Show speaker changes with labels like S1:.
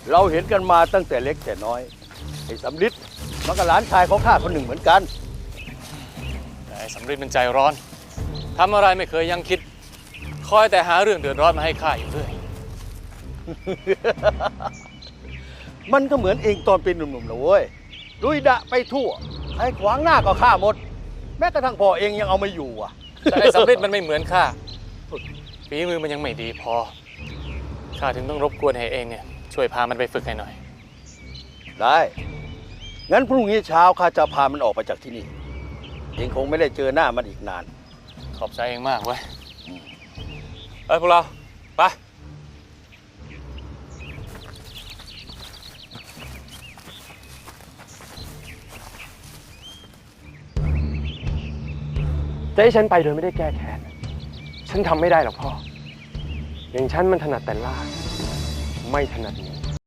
S1: เราเห็นกันมาตั้งแต่เล็กแต่น้อยไอ้สำริดมันก็หลานชายของข้าคนหนึ่งเหมือนกัน
S2: แต่ไอ้สำริดมันใจร้อนทำอะไรไม่เคยยังคิดคอยแต่หาเรื่องเดือดร้อนมาให้ข้าอยู่เรื่อย
S1: มันก็เหมือนเองตอนเป็นหนุ่มๆนะเว้ยลุยดะไปทั่วใครขวางหน้าก็ฆ่าหมด แม้กระทั่งพ่อเองยังเอาไม่อยู่อ่ะ
S2: แต่ไอ้สำริดมันไม่เหมือนข้าฝีมือมันยังไม่ดีพอข้าถึงต้องรบกวนให้เองเนี่ยช่วยพามันไปฝึกให้หน่อย
S1: ได้ งั้นพรุ่งนี้เช้าข้าจะพามันออกไปจากที่นี่ เองคงไม่ได้เจอหน้ามันอีกนาน
S2: ขอบใจเองมากเว้ยพวกเราไป
S3: จะให้ฉันไปโดยไม่ได้แก้แค้นฉันทำไม่ได้หรอกพ่อ อย่างฉันมันถนัดแต่ล่าไม่ถนัดหนี